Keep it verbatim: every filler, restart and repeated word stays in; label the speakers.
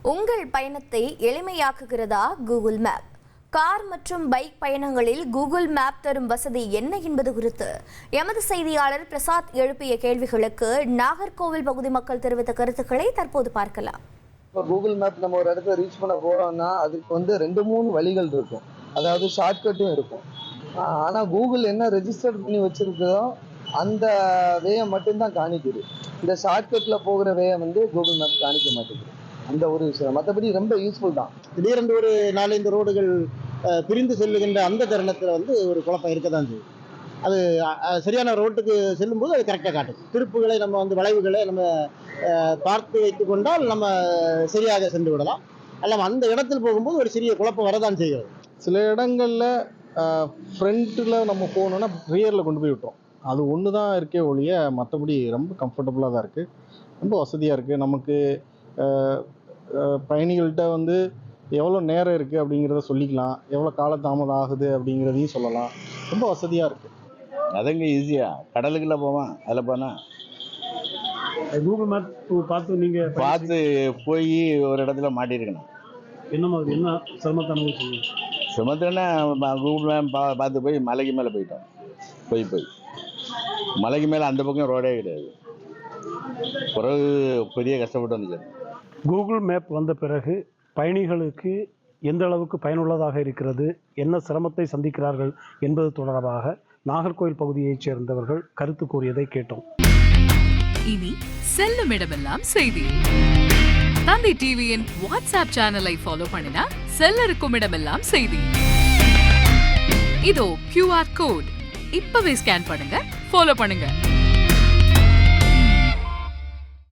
Speaker 1: உங்கள் பயணத்தை எளிமையாக்குகிறதா கூகுள் மேப்? கார் மற்றும் பைக் பயணங்களில் கூகுள் மேப் தரும் வசதி என்ன என்பது குறித்து எமது செய்தியாளர் பிரசாத் எழுப்பிய கேள்விகளுக்கு நாகர்கோவில் பகுதி மக்கள் தெரிவித்த கருத்துக்களை தற்போது பார்க்கலாம்.
Speaker 2: இப்போ கூகுள் மேப் நம்ம ஒரு இடத்துல ரீச் பண்ண போறோம்னா அதுக்கு வந்து ரெண்டு மூணு வழிகள் இருக்கும், அதாவது ஷார்ட்கட்டும் இருக்கும். ஆனால் கூகுள் என்ன ரெஜிஸ்டர் பண்ணி வச்சிருக்கோ அந்த வேயை மட்டும்தான் காணிக்குது. இந்த ஷார்ட்கட்ல போகிற வேயை வந்து கூகுள் மேப் காணிக்க மாட்டேங்குது. அந்த ஒரு விஷயம், மற்றபடி ரொம்ப யூஸ்ஃபுல் தான்.
Speaker 3: திடீரென்று ஒரு நாலஞ்சு ரோடுகள் பிரிந்து செல்லுகின்ற அந்த தருணத்தில் வந்து ஒரு குழப்பம் இருக்க தான் செய்யும். அது சரியான ரோட்டுக்கு செல்லும்போது அது கரெக்டாக காட்டும். திருப்புகளை நம்ம வந்து வளைவுகளை நம்ம பார்த்து வைத்து கொண்டால் நம்ம சரியாக சென்று விடலாம். அல்ல அந்த இடத்தில் போகும்போது ஒரு சிறிய குழப்பம் வரதான் செய்கிறது.
Speaker 4: சில இடங்களில் ஃப்ரண்ட்டில் நம்ம போகணுன்னா ரியரில் கொண்டு போய் விட்டோம். அது ஒன்று தான் இருக்கே ஒழிய மற்றபடி ரொம்ப கம்ஃபர்டபுளாக தான் இருக்குது, ரொம்ப வசதியாக இருக்குது. நமக்கு பயணிகள்கிட்ட வந்து எவ்வளோ நேரம் இருக்குது அப்படிங்கிறத சொல்லிக்கலாம், எவ்வளோ காலதாமதம் ஆகுது அப்படிங்கிறதையும் சொல்லலாம். ரொம்ப வசதியாக இருக்குது.
Speaker 5: அதங்க ஈஸியாக கடலுக்குள்ளே போவான், அதில் போனால்
Speaker 6: கூகுள் மேப் பார்த்து நீங்கள்
Speaker 5: பார்த்து போய் ஒரு இடத்துல மாட்டியிருக்கணும்.
Speaker 6: என்ன மாதிரி என்ன சிரமத்தை அனுபவிச்சீங்க?
Speaker 5: சுமத்துனா கூகுள் மேப் பா பார்த்து போய் மலைக்கு மேலே போயிட்டோம். போய் போய் மலைக்கு மேலே அந்த பக்கம் ரோடே கிடையாது. பிறகு பெரிய கஷ்டப்பட்டு வந்துச்சு.
Speaker 6: கூகுள் மேப் வந்த பிறகு பயணிகளுக்கு எந்த அளவுக்கு பயனுள்ளதாக இருக்கிறது, என்ன சிரமத்தை சந்திக்கிறார்கள் என்பது தொடர்பாக நாகர்கோவில் பகுதியைச் சேர்ந்தவர்கள் கருத்து கூறியதை கேட்டோம்.
Speaker 7: இனி செல்லும் இடமெல்லாம் செய்தி. தந்தை டிவியின் வாட்ஸ்அப் சேனலை ஃபாலோ பண்ணினா செல்ல இருக்கும் இடமெல்லாம் செய்தி. இதோ கியூஆர் கோட், இப்பவே ஸ்கேன் பண்ணுங்க, ஃபாலோ பண்ணுங்க.